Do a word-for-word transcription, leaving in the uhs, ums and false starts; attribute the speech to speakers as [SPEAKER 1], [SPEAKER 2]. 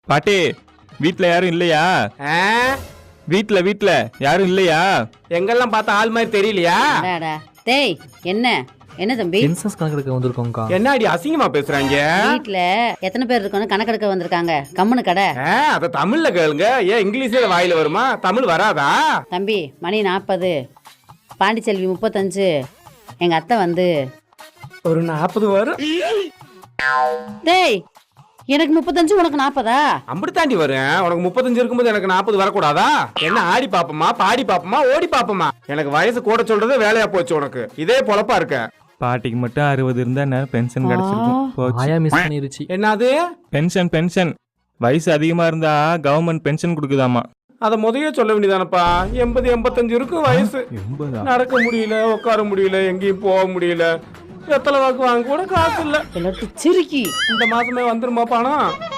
[SPEAKER 1] பாட்டி வீட்ல யாரும் இல்லையா? வீட்ல வீட்ல யாரும் இல்லையா?
[SPEAKER 2] எங்கெல்லாம் பார்த்தா ஆள் மாதிரி தெரியலையா?
[SPEAKER 3] டேய் என்ன என்ன தம்பி?
[SPEAKER 4] சென்சஸ் கணக்கெடுக்க வந்திருக்கோம்க்கா.
[SPEAKER 2] என்னடி அசிங்கமா பேசுறாங்க?
[SPEAKER 3] வீட்ல எத்தனை பேர் இருக்கணும் கணக்கெடுக்க வந்திருக்காங்க. கம்முனு கடை.
[SPEAKER 2] அத தமிழ்ல கேளுங்க. ஏன் இங்கிலீஷ்ல வாயில வருமா? தமிழ் வராதா?
[SPEAKER 3] தம்பி மணி நாற்பது, பாண்டிச்செல்வி முப்பத்தஞ்சு, எங்க அத்தை வந்து
[SPEAKER 2] ஒரு நாற்பது வரும்.
[SPEAKER 3] டேய் எனக்கு முப்பத்தஞ்சு உனக்கு நாற்பதா?
[SPEAKER 2] அப்படி தாண்டி வரும். உனக்கு முப்பத்தஞ்சு இருக்கும்போது எனக்கு நாற்பது வரக்கூடாதா? என்ன ஆடி பாப்பமா பாடி பாப்பமா ஓடி பாப்பமா? எனக்கு வயசு கூட சொல்றது வேலையா போச்சு உனக்கு. இதே பொழப்பா இருக்க.
[SPEAKER 1] பாட்டிக்கு மட்டும் அறுபது இருந்தா என்ன பென்ஷன் கிடைச்சிருக்கும்.
[SPEAKER 4] ஆயா மிஸ் பண்ணிருச்சு.
[SPEAKER 2] என்னது
[SPEAKER 1] பென்ஷன் பென்ஷன் வயசு அதிகமா இருந்தா கவர்மெண்ட் பென்ஷன் கொடுக்குதாமா.
[SPEAKER 2] அத முதல்ல சொல்ல வேண்டியதானப்பா. எண்பது எண்பத்தஞ்சு இருக்கும் வயசு. நடக்க முடியல, உட்கார முடியல, எங்கேயும் போக முடியல. எத்தனை வாக்கு வாங்க கூட காசு இல்ல.
[SPEAKER 3] சிரிக்கி
[SPEAKER 2] இந்த மாசமே வந்துருமா பணம்?